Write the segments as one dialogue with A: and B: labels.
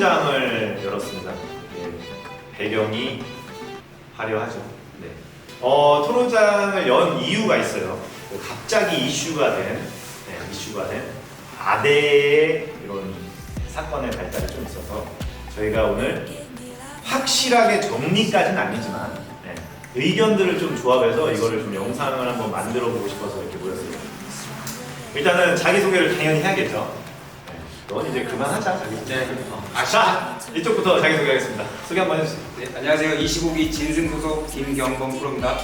A: 토론장을 열었습니다. 예, 배경이 화려하죠. 네. 토론장을 연 이유가 있어요. 갑자기 이슈가 된 아대의 이런 사건의 발달이 좀 있어서 저희가 오늘 확실하게 정리까지는 아니지만 의견들을 좀 조합해서 이거를 좀 영상을 한번 만들어 보고 싶어서 이렇게 모였습니다. 일단은 자기소개를 당연히 해야겠죠. 넌 이제 그만하자, 자기소개.
B: 네.
A: 자, 이쪽부터 자기소개하겠습니다. 소개 한번 해주세요.
B: 네, 안녕하세요. 25기 진승 소속 김경범 프로입니다.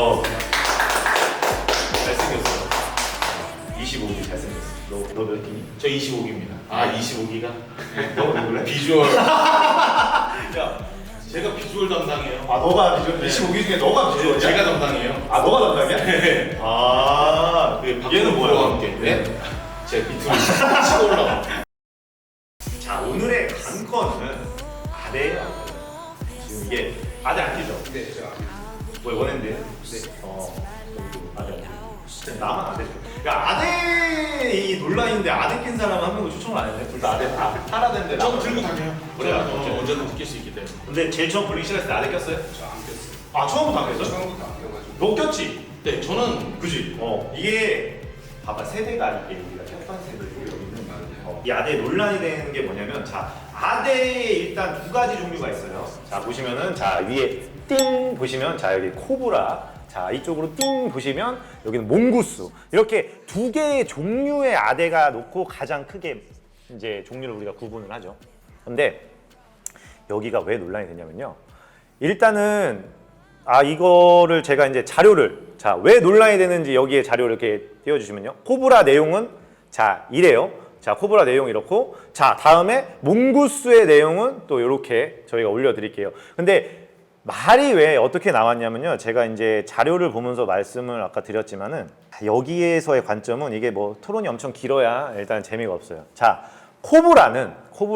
A: 잘생겼어. 25기 잘생겼어. 너 몇 기니?
C: 저 25기입니다. 아 25기가?
A: 너 누구래?
C: 비주얼.
A: 야,
C: 제가 비주얼 담당이에요.
A: 아 너가 비주얼?
C: 네.
A: 25기 중에 너가 비주얼이야?
C: 제가 담당이에요.
A: 아 너가 담당이야?
C: 네.
A: 아, 얘는 뭐야?
C: 함께. 네? 제 밑으로 치고 올라와.
A: 자, 오늘의 관건은 아대예요. 지금 이게 아대 안 끼죠?
B: 네, 저
A: 뭐 원했는데?
B: 네.
A: 여기도 아대 안 끼고. 진짜 나만 아대. 그러니까 아대 이 논란인데 아대 낀 사람 한 명도 추천을 안 했네. 둘 다 아대 팔아대는데.
C: 저거 들고 다녀요.
A: 그래,
C: 언제든 낄 수 있기 때문에.
A: 근데 제일 처음 불리기 시작했을 때 아대 꼈어요?
B: 저안 꼈어요.
A: 아 처음부터 안 꼈어?
B: 처음부터 안 껴가지고.
A: 너 꼈지?
C: 네, 저는
A: 그지? 이게 봐봐 세대가 이게 우리가 꼈던 세대고 여기는 이 아대 논란이 되는 게 뭐냐면 자 아대에 일단 두 가지 종류가 있어요. 자 보시면은 자 위에 띵 보시면 자 여기 코브라 자 이쪽으로 띵 보시면 여기는 몽구스 이렇게 두 개의 종류의 아대가 놓고 가장 크게 이제 종류를 우리가 구분을 하죠. 근데 여기가 왜 논란이 되냐면요. 일단은 이거를 제가 이제 자료를 자 왜 논란이 되는지 여기에 자료를 이렇게 띄워주시면요. 코브라 내용은 자 이래요. 자 코브라 내용 이렇고 자 다음에 몽구스의 내용은 또 이렇게 저희가 올려드릴게요. 근데 말이 왜 어떻게 나왔냐면요. 제가 이제 자료를 보면서 말씀을 아까 드렸지만은 여기에서의 관점은 이게 뭐 토론이 엄청 길어야 일단 재미가 없어요. 자 코브라를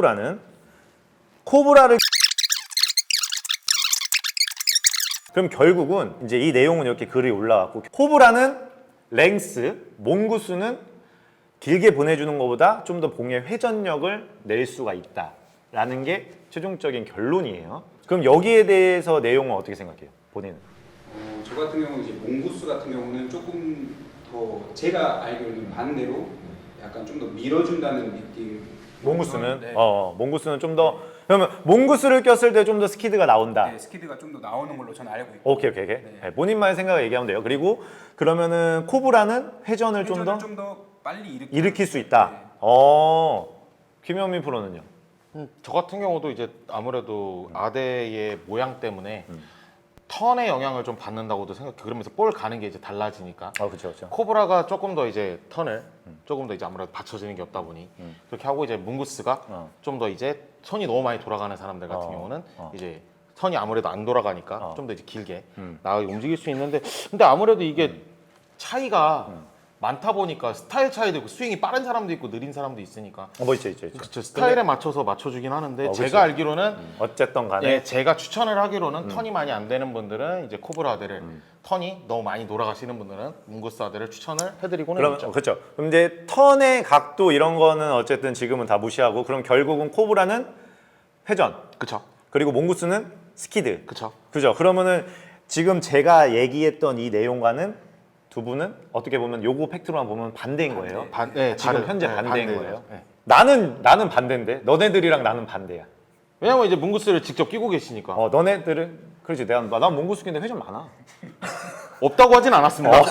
A: 그럼 결국은 이제 이 내용은 이렇게 글이 올라왔고 코브라는 랭스, 몽구스는 길게 보내주는 것보다 좀 더 봉의 회전력을 낼 수가 있다라는 게 최종적인 결론이에요. 그럼 여기에 대해서 내용은 어떻게 생각해요? 본인은?
B: 저 같은 경우는 이제 몽구스 같은 경우는 조금 더 제가 알기로는 반대로 약간 좀 더 밀어준다는 느낌.
A: 몽구스는?
B: 네.
A: 몽구스는 좀 더 그러면 몽구스를 꼈을 때 좀 더 스키드가 나온다.
B: 네, 스키드가 좀 더 나오는 걸로 저는 알고 있고.
A: 오케이. 네, 본인만의 생각을 얘기하면 돼요. 그리고 그러면은 코브라는 회전을 좀 더
B: 빨리
A: 일으킬 수 있다.
B: 네.
A: 김현민 프로는요?
D: 저 같은 경우도 이제 아무래도 아대의 모양 때문에 턴의 영향을 좀 받는다고도 생각해. 그러면서 볼 가는 게 이제 달라지니까.
A: 그렇죠.
D: 코브라가 조금 더 이제 턴을 조금 더 이제 아무래도 받쳐지는 게 없다 보니 그렇게 하고 이제 뭉구스가 좀 더 이제 손이 너무 많이 돌아가는 사람들 같은 경우는 이제 턴이 아무래도 안 돌아가니까 좀 더 이제 길게 나가게 움직일 수 있는데 근데 아무래도 이게 차이가 많다 보니까 스타일 차이도 있고 스윙이 빠른 사람도 있고 느린 사람도 있으니까
A: 뭐 있죠.
D: 그쵸, 스타일에 맞춰서 맞춰주긴 하는데
A: 그치.
D: 제가 알기로는
A: 어쨌든 간에
D: 예, 제가 추천을 하기로는 턴이 많이 안 되는 분들은 이제 코브라 아대를 턴이 너무 많이 돌아가시는 분들은 뭉구스 아대를 추천을 해드리고는
A: 그럼
D: 있죠.
A: 그렇죠. 그럼 이제 턴의 각도 이런 거는 어쨌든 지금은 다 무시하고 그럼 결국은 코브라는 회전
D: 그쵸,
A: 그리고 몽구스는 스키드.
D: 그쵸.
A: 그죠? 그러면은 지금 제가 얘기했던 이 내용과는 두 분은 어떻게 보면 요거 팩트로만 보면 반대인 거예요. 지금 현재 반대인 거예요.
D: 네.
A: 나는 반대인데 너네들이랑 나는 반대야.
D: 왜냐면 이제 뭉구스를 직접 끼고 계시니까
A: 너네들은 그렇지. 난 몽구스 끼는데 회전 많아.
D: 없다고 하진 않았습니다.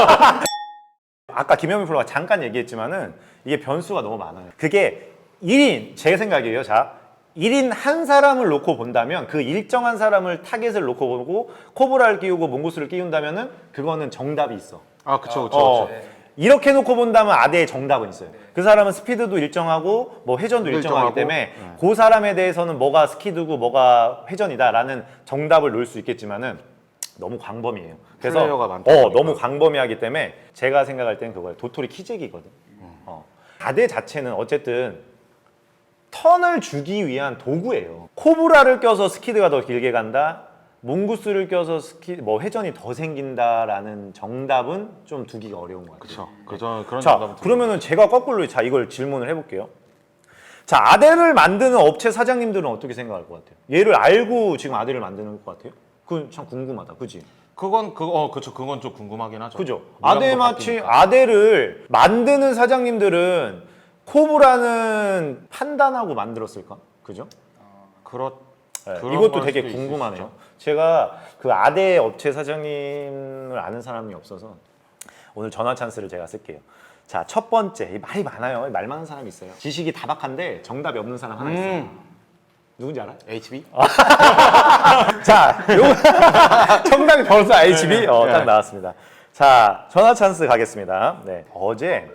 A: 아까 김현민 프로가 잠깐 얘기했지만은 이게 변수가 너무 많아요. 그게 1인 제 생각이에요. 자, 1인 한 사람을 놓고 본다면 그 일정한 사람을 타겟을 놓고 보고 코브라를 끼우고 몽구스를 끼운다면은 그거는 정답이 있어.
D: 그쵸.
A: 이렇게 놓고 본다면 아대의 정답은 있어요. 그 사람은 스피드도 일정하고 뭐 회전도 일정하기
D: 일정하고,
A: 때문에 그 사람에 대해서는 뭐가 스키드고 뭐가 회전이다라는 정답을 놓을 수 있겠지만은 너무 광범위해요. 그래서
D: 플레이어가 많다 보니까.
A: 너무 광범위하기 때문에 제가 생각할 때는 그거예요. 도토리 키재기거든. 아대 자체는 어쨌든 턴을 주기 위한 도구예요. 코브라를 껴서 스키드가 더 길게 간다. 몽구스를 껴서 회전이 더 생긴다라는 정답은 좀 두기가 어려운 것 같아요.
D: 그쵸. 그런
A: 자,
D: 정답은
A: 그러면은 제가 거꾸로 이걸 질문을 해볼게요. 자, 아대를 만드는 업체 사장님들은 어떻게 생각할 것 같아요? 얘를 알고 지금 아대를 만드는 것 같아요? 그건 참 궁금하다, 그지?
D: 그렇죠. 그건 좀 궁금하긴 하죠.
A: 그죠?
D: 모양도
A: 아대 마치
D: 바뀌니까.
A: 아대를 만드는 사장님들은 코브라는 판단하고 만들었을까? 그죠?
D: 그렇
A: 네,
D: 그런
A: 이것도
D: 걸
A: 되게
D: 수도
A: 궁금하네요.
D: 있으시죠.
A: 제가 그 아대 업체 사장님을 아는 사람이 없어서 오늘 전화 찬스를 제가 쓸게요. 자, 첫 번째, 말이 많아요. 말 많은 사람이 있어요. 지식이 다박한데 정답이 없는 사람 하나 있어요. 누군지 알아?
D: HB?
A: 자, 정답이 벌써 HB? 딱 나왔습니다. 자, 전화 찬스 가겠습니다. 네, 어제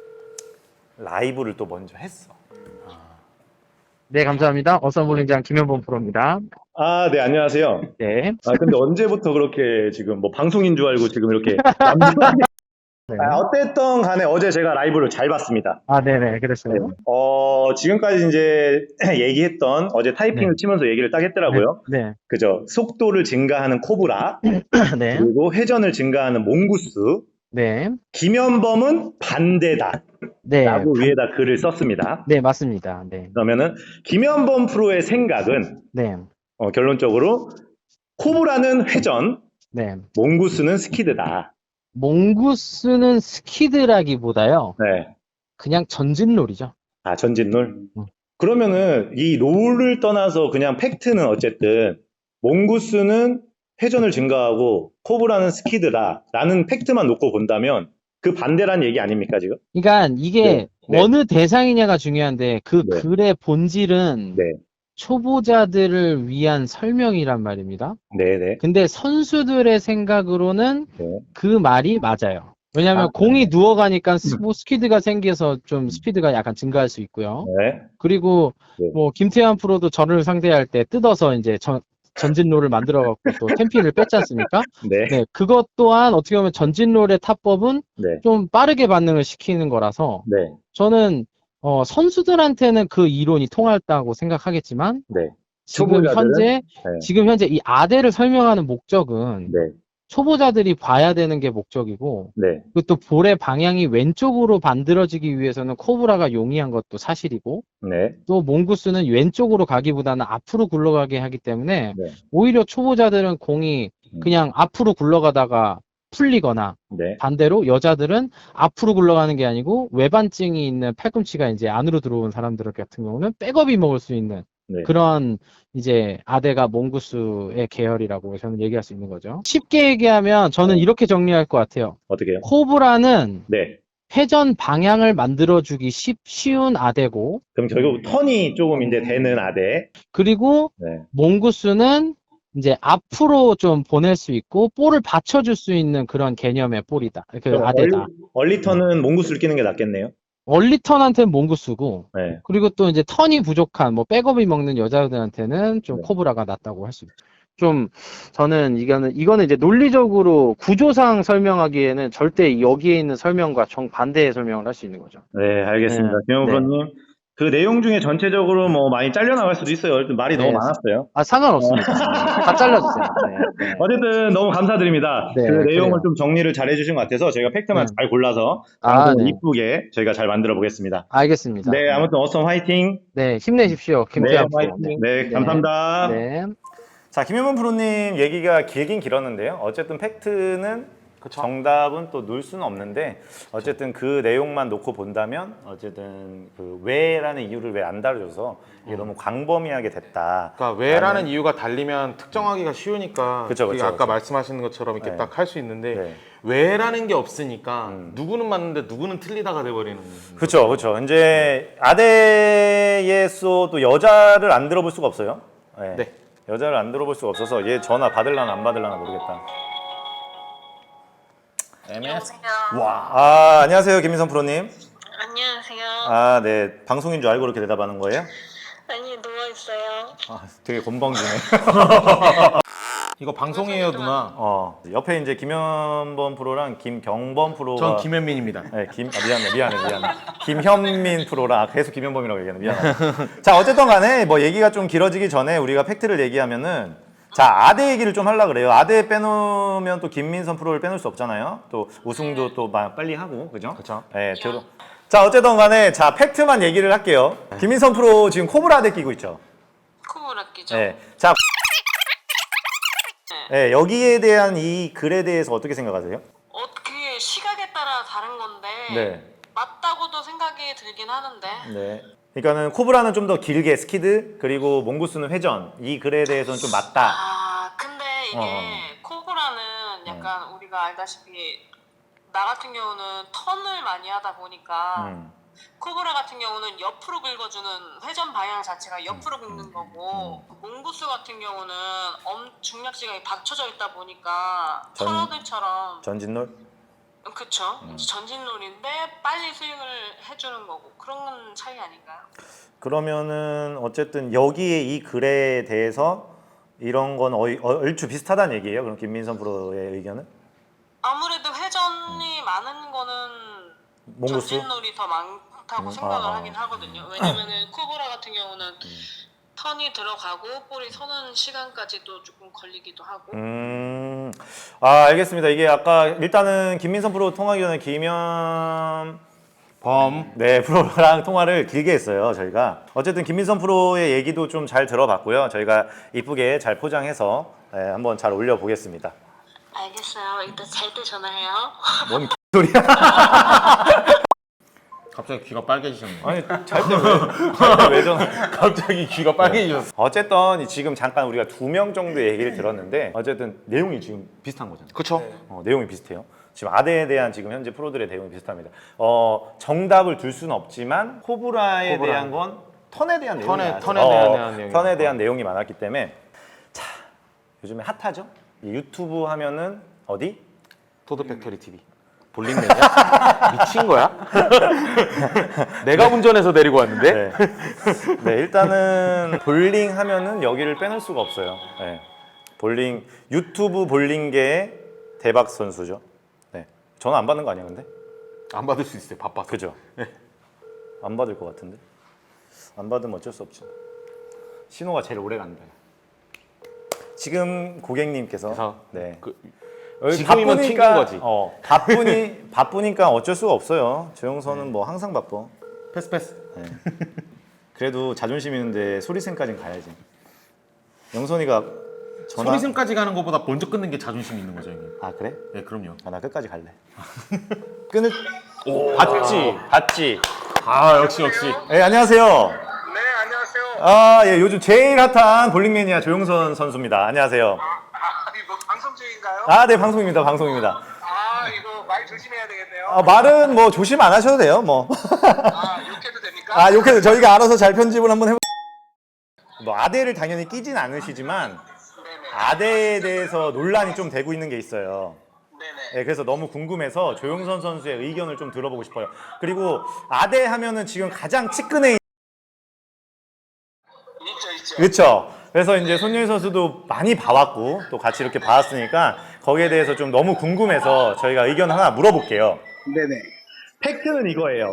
A: 라이브를 또 먼저 했어.
E: 네, 감사합니다. 어썸볼링장 김현범 프로입니다.
F: 아, 네, 안녕하세요.
E: 네.
F: 아, 근데 언제부터 그렇게 지금 뭐 방송인 줄 알고 지금 이렇게.
E: 네.
F: 어땠던 간에 어제 제가 라이브를 잘 봤습니다.
E: 아, 네네, 그랬어요.
F: 지금까지 이제 얘기했던 어제 타이핑을 치면서 얘기를 딱 했더라고요.
E: 네.
F: 그죠? 속도를 증가하는 코브라,
E: 네.
F: 그리고 회전을 증가하는 몽구스,
E: 네.
F: 김현범은 반대다.
E: 네.
F: 라고 위에다 글을 썼습니다.
E: 네, 맞습니다. 네.
F: 그러면은 김현범 프로의 생각은
E: 네.
F: 결론적으로 코브라는 회전,
E: 네.
F: 몽구스는 스키드다.
E: 몽구스는 스키드라기보다요.
F: 네.
E: 그냥 전진놀이죠.
F: 아, 전진놀? 그러면은 이 롤을 떠나서 그냥 팩트는 어쨌든 몽구스는 회전을 증가하고 코브라는 스키드다 라는 팩트만 놓고 본다면 그 반대란 얘기 아닙니까 지금?
E: 그러니까 이게
F: 네. 네.
E: 어느 대상이냐가 중요한데 그
F: 네.
E: 글의 본질은
F: 네.
E: 초보자들을 위한 설명이란 말입니다.
F: 네네.
E: 근데 선수들의 생각으로는
F: 네.
E: 그 말이 맞아요. 왜냐하면
F: 아,
E: 공이 누워가니까 뭐 스피드가 생겨서 좀 스피드가 약간 증가할 수 있고요.
F: 네.
E: 그리고
F: 네.
E: 뭐 김태환 프로도 저를 상대할 때 뜯어서 이제 전진롤을 만들어갖고 또 템피를 뺐지 않습니까?
F: 네.
E: 네, 그것 또한 어떻게 보면 전진롤의 타법은
F: 네.
E: 좀 빠르게 반응을 시키는 거라서
F: 네.
E: 저는 선수들한테는 그 이론이 통할다고 생각하겠지만
F: 네.
E: 지금
F: 초보자들은?
E: 현재
F: 네.
E: 지금 현재 이 아대를 설명하는 목적은
F: 네.
E: 초보자들이 봐야 되는 게 목적이고
F: 네.
E: 그리고 또 볼의 방향이 왼쪽으로 만들어지기 위해서는 코브라가 용이한 것도 사실이고
F: 네.
E: 또 몽구스는 왼쪽으로 가기보다는 앞으로 굴러가게 하기 때문에
F: 네.
E: 오히려 초보자들은 공이 그냥 앞으로 굴러가다가 풀리거나
F: 네.
E: 반대로 여자들은 앞으로 굴러가는 게 아니고 외반증이 있는 팔꿈치가 이제 안으로 들어온 사람들 같은 경우는 백업이 먹을 수 있는
F: 네.
E: 그런 이제 아대가 몽구스의 계열이라고 저는 얘기할 수 있는 거죠. 쉽게 얘기하면 저는 이렇게 정리할 것 같아요.
F: 어떻게요?
E: 코브라는
F: 네.
E: 회전 방향을 만들어주기 쉬운 아대고
F: 그럼 결국 턴이 조금 이제 되는 아대.
E: 그리고
F: 네.
E: 몽구스는 이제 앞으로 좀 보낼 수 있고 볼을 받쳐줄 수 있는 그런 개념의 볼이다. 그
F: 그럼
E: 아대다.
F: 얼리 턴은 몽구스를 끼는 게 낫겠네요.
E: 얼리턴한테는 몽구스고
F: 네.
E: 그리고 또 이제 턴이 부족한 뭐 백업이 먹는 여자들한테는 좀
F: 네.
E: 코브라가 낫다고 할 수 있죠. 좀 저는 이거는 이제 논리적으로 구조상 설명하기에는 절대 여기에 있는 설명과 정반대의 설명을 할 수 있는 거죠.
F: 네, 알겠습니다.
E: 네.
F: 김영우
E: 네.
F: 프로님. 그 내용 중에 전체적으로 뭐 많이 잘려나갈 수도 있어요. 말이
E: 네.
F: 너무 많았어요.
E: 아 상관없습니다. 다 잘라주세요. 네.
F: 어쨌든 너무 감사드립니다.
E: 네,
F: 그 내용을
E: 그래요.
F: 좀 정리를 잘 해주신 것 같아서 저희가 팩트만
E: 네.
F: 잘 골라서
E: 아,
F: 방송을
E: 네.
F: 이쁘게 저희가 잘 만들어 보겠습니다.
E: 알겠습니다.
F: 네, 아무튼 어썸 화이팅.
E: 네, 힘내십시오. 김태환 프로.
F: 화이팅. 네, 감사합니다.
E: 네.
A: 자, 김현문 프로님 얘기가 길긴 길었는데요. 어쨌든 팩트는 정답은 또 놓을 수는 없는데 어쨌든 그 내용만 놓고 본다면 어쨌든 그 왜라는 이유를 왜 안 다뤄줘서 이게 너무 광범위하게 됐다.
D: 그러니까 왜라는 이유가 달리면 특정하기가 쉬우니까
A: 그쵸,
D: 그게
A: 그쵸,
D: 아까
A: 그쵸.
D: 말씀하신 것처럼 이렇게
A: 네.
D: 딱 할 수 있는데
A: 네.
D: 왜라는 게 없으니까 누구는 맞는데 누구는 틀리다가 돼버리는
A: 그렇죠, 그렇죠. 이제 아대에서 또 여자를 안 들어볼 수가 없어요. 네.
D: 네.
A: 여자를 안 들어볼 수가 없어서 얘 전화 받을라나 안 받을라나 모르겠다. MS. 와, 안녕하세요, 김민선 프로님.
G: 안녕하세요.
A: 아, 네, 방송인 줄 알고 그렇게 대답하는 거예요?
G: 아니 누워있어요.
A: 아, 되게 건방지네.
D: 이거 방송이에요 누나.
A: 옆에 이제 김현범 프로랑 김경범 프로가.
D: 전 김현민입니다.
A: 네, 미안해. 김현민 프로랑 계속 김현범이라고 얘기하는 미안해. 자, 어쨌든 간에 뭐 얘기가 좀 길어지기 전에 우리가 팩트를 얘기하면은 자, 아대 얘기를 좀 하려고 그래요. 아대 빼놓으면 또 김민선 프로를 빼놓을 수 없잖아요. 또 우승도 또 빨리 하고, 그죠?
D: 그쵸.
A: 네, 자, 어쨌든 간에 자, 팩트만 얘기를 할게요. 김민선 프로 지금 코브라 덱 끼고 있죠.
G: 코브라 끼죠?
A: 네. 자, 네, 여기에 대한 이 글에 대해서 어떻게 생각하세요?
G: 그게 시각에 따라 다른 건데
A: 네.
G: 맞다고도 생각이 들긴 하는데
A: 네. 그러니까는 코브라는 좀 더 길게 스키드 그리고 몽구스는 회전 이 글에 대해서는 좀 맞다.
G: 근데 이게 코브라는 약간 우리가 알다시피 나 같은 경우는 턴을 많이 하다 보니까 코브라 같은 경우는 옆으로 긁어주는 회전 방향 자체가 옆으로 긁는 거고 몽구스 같은 경우는 중력 시각이 받쳐져 있다 보니까 터너들처럼
A: 전진롤?
G: 그쵸 전진롤인데 빨리 스윙을 해주는 거고 그런 차이 아닌가요?
A: 그러면은 어쨌든 여기에 이 글에 대해서 이런 건 얼추 비슷하다는 얘기예요. 그럼 김민선 프로의 의견은?
G: 아무래도 회전이 많은 거는
A: 몽구스?
G: 전진롤이 더 많다고 생각을 하긴 하거든요. 왜냐면은 코브라 같은 경우는 턴이 들어가고 볼이 서는 시간까지도 조금 걸리기도 하고.
A: 알겠습니다. 이게 아까 일단은 김민선 프로 통화기 전에 김현 네, 프로랑 통화를 길게 했어요, 저희가. 어쨌든 김민선 프로의 얘기도 좀 잘 들어봤고요. 저희가 이쁘게 잘 포장해서 한번 잘 올려보겠습니다.
G: 알겠어요. 이따 잘 때 전화해요.
A: 뭔 소리야?
D: 갑자기 귀가 빨개지셨네.
A: 아니, 잘 때 왜 전화?
D: 갑자기 귀가 빨개지셨어.
A: 어쨌든 지금 잠깐 우리가 2명 정도 얘기를 들었는데 어쨌든 내용이 지금 비슷한 거잖아요.
D: 그쵸?
A: 내용이 비슷해요. 지금 아대에 대한 지금 현재 프로들의 내용이 비슷합니다. 정답을 둘 수는 없지만 코브라에 대한 건 턴에 대한 내용이 많았어요. 턴에 대한 내용이 많았기 때문에 자, 요즘에 핫하죠? 이 유튜브 하면은 어디?
D: 토드 팩토리 TV. 볼링 매니아? 미친 거야? 내가 운전해서 데리고 왔는데?
A: 네. 네, 일단은 볼링 하면은 여기를 빼놓을 수가 없어요. 네. 유튜브 볼링계의 대박 선수죠. 네. 전화 안 받는 거 아니야, 근데?
D: 안 받을 수 있어요. 바빠서.
A: 그죠? 안 받을 것 같은데? 안 받으면 어쩔 수 없죠. 신호가 제일 오래 간다. 지금 고객님께서
D: 그래서
A: 네.
D: 지금이면 튕긴 거지.
A: 바쁘니까 어쩔 수가 없어요. 조영선은 뭐 항상 바빠.
D: 패스.
A: 네. 그래도 자존심 있는데 소리샘까지는 가야지. 영선이가 전화.
D: 소리샘까지 가는 것보다 먼저 끊는 게 자존심 있는 거죠, 형님.
A: 아 그래?
D: 네, 그럼요.
A: 나 끝까지 갈래. 끊을. 받지.
D: 아, 역시.
A: 네, 안녕하세요.
H: 네, 안녕하세요.
A: 아, 예, 요즘 제일 핫한 볼링 매니아 조영선 선수입니다. 안녕하세요.
H: 이거 방송 중인가요?
A: 네, 방송입니다.
H: 이거 말 조심해야 되겠네요.
A: 말은 뭐 조심 안 하셔도 돼요, 뭐.
H: 욕해도 됩니까?
A: 욕해도 저희가 알아서 잘 편집을 한번 해보. 뭐 아대를 당연히 끼진 않으시지만
H: 네네.
A: 아대에 대해서 논란이 좀 되고 있는 게 있어요.
H: 네네.
A: 네, 그래서 너무 궁금해서 조영선 선수의 의견을 좀 들어보고 싶어요. 그리고 아대 하면은 지금 가장 측근에
H: 있죠.
A: 그렇죠. 그래서 이제 손예희 선수도 많이 봐왔고 또 같이 이렇게 봐왔으니까 거기에 대해서 좀 너무 궁금해서 저희가 의견 하나 물어볼게요.
I: 네네.
A: 팩트는 이거예요.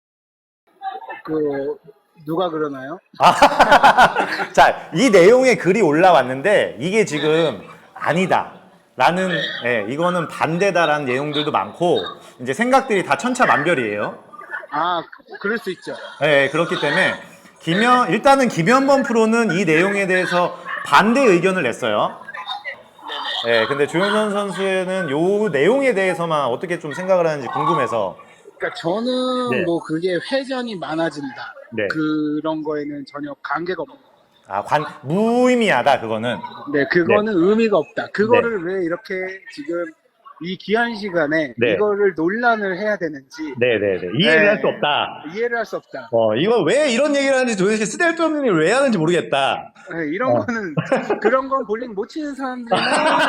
I: 누가 그러나요?
A: 자, 이 내용의 글이 올라왔는데 이게 지금 아니다. 라는, 이거는 반대다라는 내용들도 많고 이제 생각들이 다 천차만별이에요.
I: 그럴 수 있죠.
A: 그렇기 때문에 일단은 김현범 프로는 이 내용에 대해서 반대 의견을 냈어요. 근데 조영선 선수는 요 내용에 대해서만 어떻게 좀 생각을 하는지 궁금해서.
I: 그러니까 저는
A: 네.
I: 그게 회전이 많아진다.
A: 네.
I: 그런 거에는 전혀 관계가 없는 거예요.
A: 무의미하다, 그거는.
I: 네, 그거는 의미가 없다. 그거를 왜 이렇게 지금 이 귀한 시간에
F: 네.
I: 이거를 논란을 해야 되는지
F: 네네네. 이해를
I: 네.
F: 할 수 없다.
I: 이해를 할 수 없다.
F: 이거 왜 이런 얘기를 하는지 도대체 쓸데없는 얘기를 왜 하는지 모르겠다.
I: 네, 이런 거는 그런 건 볼링 못 치는 사람들만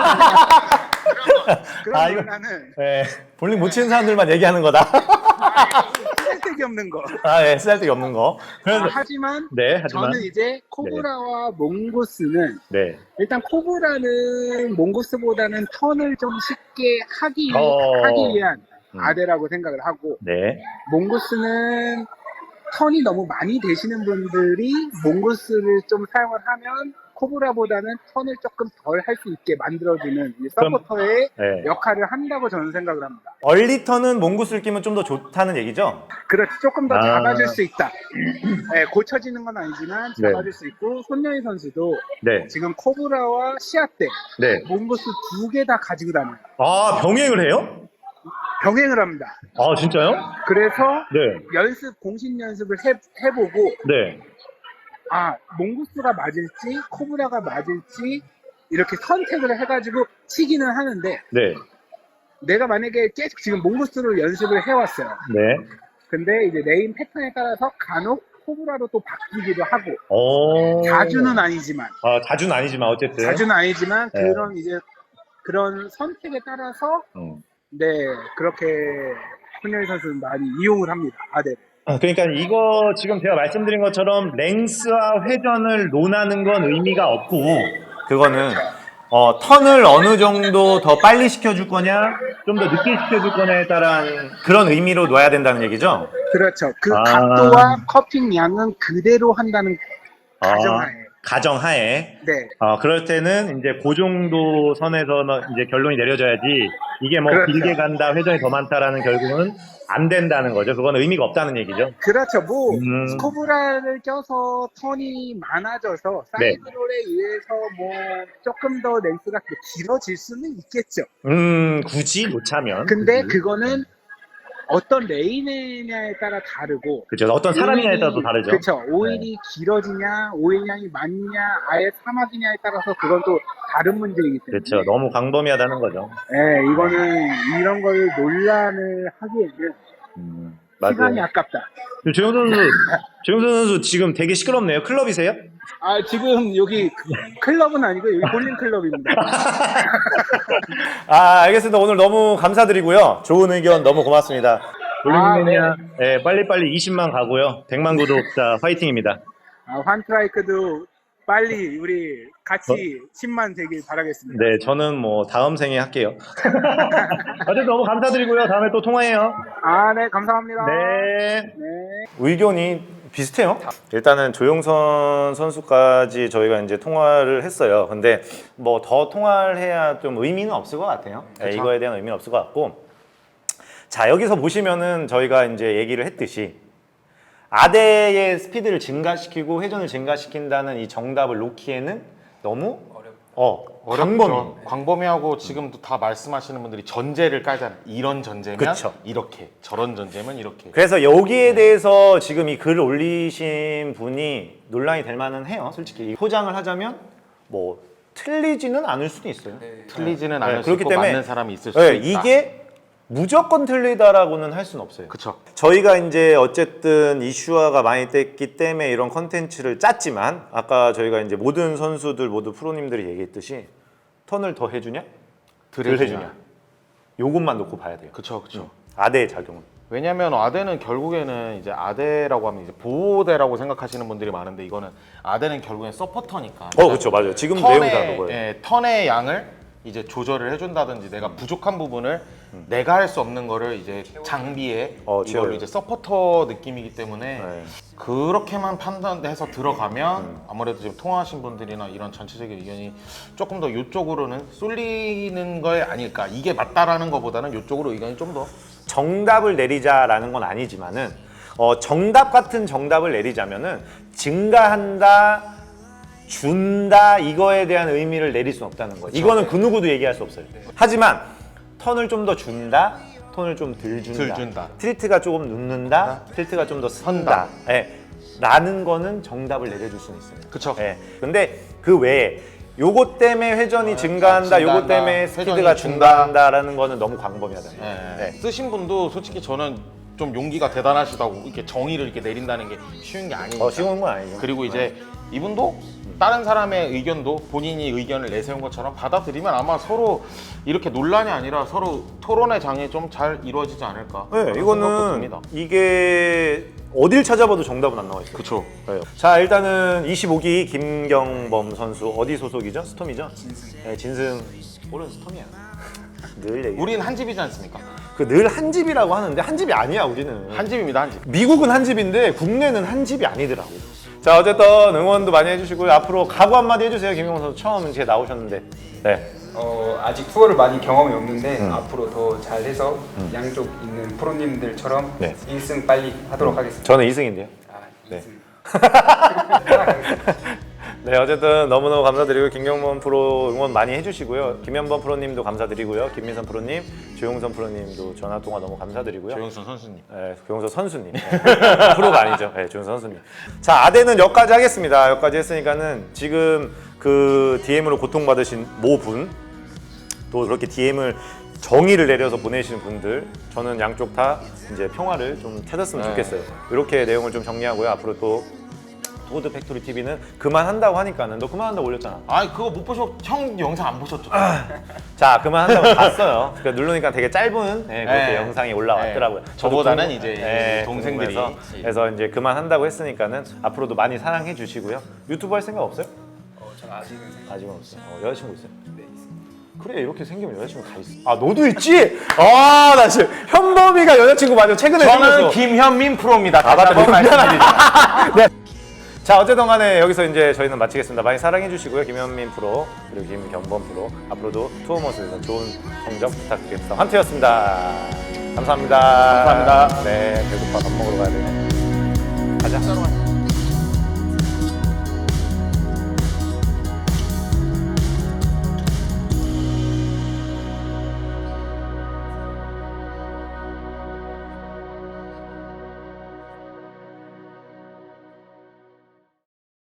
I: 그런
A: 이거-
I: 논란은
A: 볼링 못 치는 사람들만 얘기하는 거다.
I: 쓸데기 없는 거.
A: 쓸데기 없는 거. 그래서,
I: 하지만
F: 네,
I: 저는 이제 코브라와 몽고스는
F: 네.
I: 일단 코브라는 몽고스보다는 턴을 좀 쉽게 하기 위한 아대라고 생각을 하고
F: 네.
I: 몽고스는 턴이 너무 많이 되시는 분들이 몽고스를 좀 사용을 하면 코브라보다는 턴을 조금 덜 할 수 있게 만들어주는 이 서포터의
F: 네.
I: 역할을 한다고 저는 생각을 합니다.
A: 얼리턴은 몽구스를 끼면 좀 더 좋다는 얘기죠?
I: 그렇지, 조금 더
F: 아.
I: 잡아줄 수 있다. 네, 고쳐지는 건 아니지만 잡아줄 수 있고, 손녀희 선수도
F: 네.
I: 지금 코브라와 시야 때
F: 네.
I: 몽구스 2개 다 가지고 다녀요.
F: 아, 병행을 해요?
I: 병행을 합니다.
F: 아, 진짜요?
I: 그래서
F: 네.
I: 공식 연습을 해보고,
F: 네.
I: 아, 몽구스가 맞을지, 코브라가 맞을지, 이렇게 선택을 해가지고 치기는 하는데,
F: 네.
I: 내가 만약에 계속 지금 몽구스로 연습을 해왔어요.
F: 네.
I: 근데 이제 레인 패턴에 따라서 간혹 코브라로 또 바뀌기도 하고,
F: 오.
I: 자주는 아니지만,
F: 자주는 아니지만 어쨌든.
I: 자주는 아니지만,
F: 네.
I: 그런 이제, 그런 선택에 따라서, 네, 그렇게 손녀희 선수는 많이 이용을 합니다, 아대를.
F: 그러니까 이거 지금 제가 말씀드린 것처럼 랭스와 회전을 논하는 건 의미가 없고,
A: 그거는 턴을 어느 정도 더 빨리 시켜줄 거냐, 좀 더 늦게 시켜줄 거냐에 따른 그런 의미로 놔야 된다는 얘기죠?
I: 그렇죠. 그 각도와 커팅 양은 그대로 한다는 가정하에.
A: 가정하에.
I: 네.
F: 그럴 때는 이제 그 정도 선에서는 이제 결론이 내려져야지, 이게 뭐
I: 그렇죠.
F: 길게 간다, 회전이 더 많다라는 결국은 안 된다는 거죠. 그건 의미가 없다는 얘기죠.
I: 그렇죠. 뭐 코브라를 껴서 턴이 많아져서
F: 네.
I: 사이드롤에 의해서 뭐 조금 더 랭스가 길어질 수는 있겠죠.
F: 굳이 놓자면.
I: 근데 그거는 어떤 레인이냐에 따라 다르고,
F: 그렇죠. 어떤 사람이냐에 따라서 다르죠.
I: 그렇죠. 오일이 길어지냐, 오일량이 많냐, 아예 사막이냐에 따라서 그건 또 다른 문제이기 때문에.
F: 그렇죠. 너무 광범위하다는 거죠.
I: 네, 이거는 이런 걸 논란을 하기에는 시간이 아깝다.
F: 조영선 선수 지금 되게 시끄럽네요. 클럽이세요?
I: 아, 지금 여기 클럽은 아니고 여기 볼링 클럽입니다.
A: 알겠습니다. 오늘 너무 감사드리고요. 좋은 의견 너무 고맙습니다.
F: 볼링맨이야. 네, 빨리빨리 20만 가고요. 100만 구독자 화이팅입니다.
I: 환트라이크도 빨리 우리 같이 10만 되길 바라겠습니다.
F: 네, 저는 뭐 다음 생에 할게요. 어쨌든 너무 감사드리고요. 다음에 또 통화해요.
I: 네, 감사합니다.
F: 네.
A: 의견이 비슷해요. 일단은 조용선 선수까지 저희가 이제 통화를 했어요. 근데 뭐 더 통화를 해야 좀 의미는 없을 것 같아요. 네, 이거에 대한 의미는 없을 것 같고. 자, 여기서 보시면은 저희가 이제 얘기를 했듯이 아대의 스피드를 증가시키고 회전을 증가시킨다는 이 정답을 놓기에는 너무
D: 어렵죠. 광범위하고 지금도 다 말씀하시는 분들이 전제를 깔잖아요. 이런 전제면
A: 그쵸.
D: 이렇게, 저런 전제면 이렇게.
A: 그래서 여기에 대해서 지금 이 글을 올리신 분이 논란이 될 만은 해요. 솔직히 포장을 하자면 뭐 틀리지는 않을 수도 있어요.
D: 틀리지는 않을 수
A: 그렇기
D: 있고
A: 때문에
D: 맞는 사람이 있을 수 있다.
A: 이게 무조건 틀리다라고는 할 수는 없어요.
D: 그쵸.
A: 저희가 이제 어쨌든 이슈화가 많이 됐기 때문에 이런 컨텐츠를 짰지만 아까 저희가 이제 모든 선수들 모두 프로님들이 얘기했듯이 턴을 더 해주냐? 덜 해주냐? 요것만 놓고 봐야 돼요.
D: 그쵸, 그쵸.
A: 아대의 작용은.
D: 왜냐면 아대는 결국에는 이제 아대라고 하면 이제 보호대라고 생각하시는 분들이 많은데 이거는 아대는 결국엔 서포터니까.
A: 그렇죠, 맞아요. 지금 내용 다 그거예요.
D: 턴의 양을 이제 조절을 해준다든지 내가 부족한 부분을 내가 할 수 없는 거를 이제 장비에 이걸로
A: 채워요.
D: 이제 서포터 느낌이기 때문에 그렇게만 판단해서 들어가면 아무래도 지금 통화하신 분들이나 이런 전체적인 의견이 조금 더 이쪽으로는 쏠리는 거 아닐까. 이게 맞다라는 것보다는 이쪽으로 의견이 좀 더
A: 정답을 내리자라는 건 아니지만은 정답 같은 정답을 내리자면은 증가한다, 준다 이거에 대한 의미를 내릴 수는 없다는 거죠. 이거는 그 누구도 얘기할 수 없어요. 하지만 턴을 좀 더 준다, 턴을 좀 덜 준다, 틸트가 조금 눕는다, 틸트가 좀 더 선다, 라는 거는 정답을 내려줄 수는 있어요.
D: 그쵸.
A: 근데 그 외에 요것 때문에 회전이 증가한다, 요것 때문에 스피드가
D: 회전이
A: 증가한다라는 거는 너무 광범위하다는 거예요.
D: 쓰신 분도 솔직히 저는 좀 용기가 대단하시다고 이렇게 정의를 이렇게 내린다는 게 쉬운 게 아니니까.
A: 쉬운 건 아니죠.
D: 그리고 이제 이분도 다른 사람의 의견도 본인이 의견을 내세운 것처럼 받아들이면 아마 서로 이렇게 논란이 아니라 서로 토론의 장이 좀 잘 이루어지지 않을까.
A: 네, 이거는 이게 어딜 찾아봐도 정답은 안 나와 있어요.
D: 그렇죠.
A: 자, 일단은 25기 김경범 선수 어디 소속이죠? 스톰이죠? 네, 진승. 올은 스톰이야. 늘 얘기.
D: 우린 한 집이지 않습니까?
A: 그 늘 한 집이라고 하는데 한 집이 아니야, 우리는.
D: 한 집입니다, 한 집.
A: 미국은 한 집인데 국내는 한 집이 아니더라고. 자, 어쨌든 응원도 많이 해주시고요. 앞으로 각오 한마디 해주세요. 김영호 선수 처음 이제 나오셨는데. 네.
B: 아직 투어를 많이 경험이 없는데 앞으로 더 잘해서 양쪽 있는 프로님들처럼
A: 네.
B: 1승 빨리 하도록 하겠습니다.
A: 저는 2승인데요.
B: 아,
A: 네.
B: 2승.
A: 네, 어쨌든 너무너무 감사드리고 김경범 프로 응원 많이 해주시고요. 김현범 프로님도 감사드리고요. 김민선 프로님, 조용선 프로님도 전화 통화 너무 감사드리고요.
D: 조영선 선수님.
A: 네, 조용선 선수님. 네. 프로가 아니죠. 네, 조용선 선수님. 자, 아대는 여기까지 하겠습니다. 여기까지 했으니까는 지금 그 DM으로 고통받으신 모분, 또 그렇게 DM을 정의를 내려서 보내시는 분들, 저는 양쪽 다 이제 평화를 좀 찾았으면 좋겠어요. 이렇게 내용을 좀 정리하고요. 앞으로 또 토드 팩토리 TV는 그만한다고 하니까는 너 그만한다고 올렸잖아.
D: 아 그거 못 보셨, 형 영상 안 보셨죠?
A: 자, 그만한다고 봤어요. 그러니까 누르니까 되게 짧은 그렇게
D: 네.
A: 영상이 올라왔더라고요.
D: 네. 저보다는
A: 저도
D: 이제 동생들이.
A: 그래서 이제 그만한다고 했으니까는 앞으로도 많이 사랑해 주시고요. 유튜브 할 생각 없어요?
B: 저는 아직은
A: 아직은 없어요. 여자친구 있어요? 네, 있어요. 그래, 이렇게 생기면 여자친구 다 있어. 아, 너도 있지? 아, 나 지금 현범이가 여자친구 맞아. 최근에
D: 저는
A: 생겼어.
D: 김현민 프로입니다.
A: 아, 맞다.
D: 다시 한번 말씀드리죠.
A: 네. 자, 어쨌든 간에 여기서 이제 저희는 마치겠습니다. 많이 사랑해 주시고요. 김현민 프로, 그리고 김경범 프로. 앞으로도 투어머스에서 좋은 성적 부탁드리겠습니다. 환트였습니다. 감사합니다.
D: 감사합니다.
A: 네, 배고파 밥 먹으러 가야 돼요. 가자.